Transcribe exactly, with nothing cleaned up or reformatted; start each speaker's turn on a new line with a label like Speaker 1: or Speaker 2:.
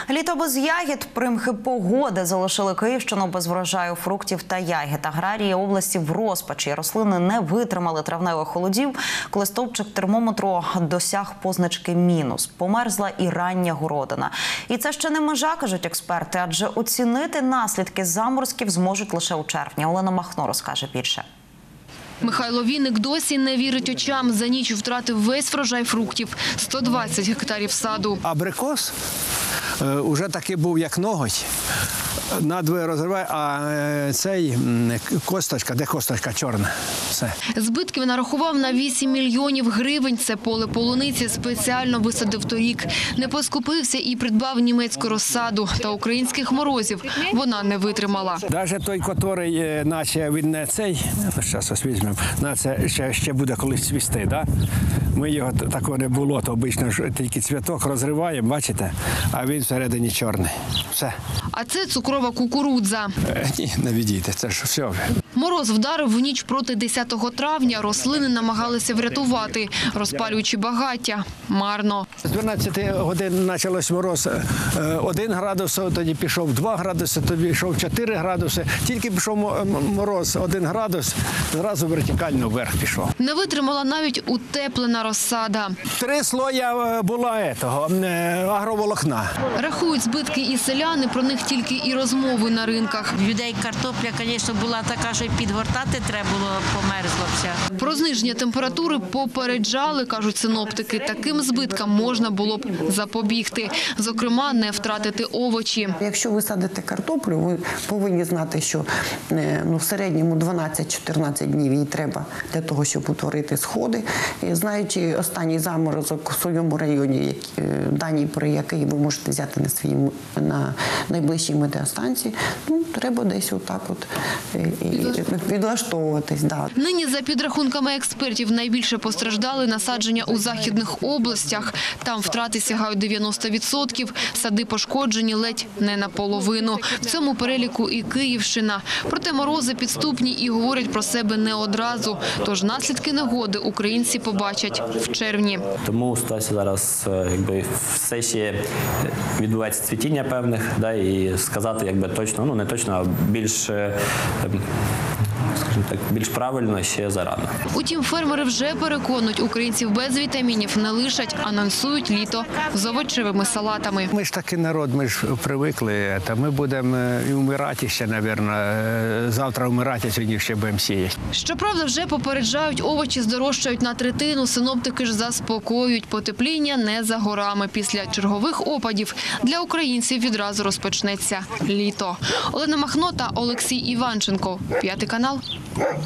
Speaker 1: Літо без ягід, примхи погоди залишили Київщину без врожаю фруктів та ягід. Аграрії області в розпачі. Рослини не витримали травневих холодів, коли стовпчик термометру досяг позначки мінус. Померзла і рання городина. І це ще не межа, кажуть експерти, адже оцінити наслідки заморозків зможуть лише у червні. Олена Махно розкаже більше.
Speaker 2: Михайло Вінник досі не вірить очам. За ніч втратив весь врожай фруктів – сто двадцять гектарів саду.
Speaker 3: Абрикос вже таки був як ноготь. Надвоє розриває, а цей косточка, де косточка чорна. Все.
Speaker 2: Збитків нарахував на вісім мільйонів гривень. Це поле полуниці спеціально висадив торік. Не поскупився і придбав німецьку розсаду. Та українських морозів вона не витримала.
Speaker 3: Навіть той, який, наче він не цей, зараз ось візьмемо, наче ще, ще буде колись цвісти, да? Ми його такого не було, то обично тільки цвіток розриваємо, бачите, а він всередині чорний. Все.
Speaker 2: А це цукрова кукурудза.
Speaker 3: Е, ні, не відійте, це ж все.
Speaker 2: Мороз вдарив в ніч проти десятого травня. Рослини намагалися врятувати, розпалюючи багаття. Марно.
Speaker 3: З дванадцяти годин почалось мороз один градус, тоді пішов два градуси, тоді пішов чотири градуси. Тільки пішов мороз один градус, зразу вертикально вверх пішов.
Speaker 2: Не витримала навіть утеплена розсада.
Speaker 3: Три слоя була етого, агроволокна.
Speaker 2: Рахують збитки і селяни, про них тільки і розмови на ринках.
Speaker 4: Людей картопля, звісно, була така, що підгортати треба було, померзла вся.
Speaker 2: Про зниження температури попереджали, кажуть синоптики. Таким збиткам можна було б запобігти. Зокрема, не втратити овочі.
Speaker 5: Якщо ви садите картоплю, ви повинні знати, що ну, в середньому дванадцять-чотирнадцять днів їй треба для того, щоб утворити сходи. І, знаючи останній заморозок в своєму районі, дані про який ви можете взяти на свій на найближчій метеостанції, ну, треба десь отак от відлаштовуватись. Да.
Speaker 2: Нині, за підрахунками експертів, найбільше постраждали насадження у західних областях. Там втрати сягають дев'яносто відсотків, сади пошкоджені ледь не наполовину. В цьому переліку і Київщина. Проте морози підступні і говорять про себе не одразу. Тож наслідки негоди українці побачать в червні.
Speaker 6: Тому ситуація зараз, якби, все ще відбувається цвітіння певних, да, і сказати, якби, точно, ну не точно, а більш, скажімо так, більш правильно ще зарано.
Speaker 2: Утім, фермери вже переконують, українців без вітамінів не лишать, анонсують літо з овочевими салатами.
Speaker 3: Ми ж такий народ, ми ж привикли, та ми будемо і вмирати ще, мабуть, завтра вмирати, сьогодні ще будемо сіяти.
Speaker 2: Щоправда, вже попереджають, овочі здорожчають на третину, синоптики ж заспокоюють, потепління не за горами. Після чергових опадів для українців відразу розпочнеться літо. Олена Махно та Олексій Іванченко, П'ятий канал.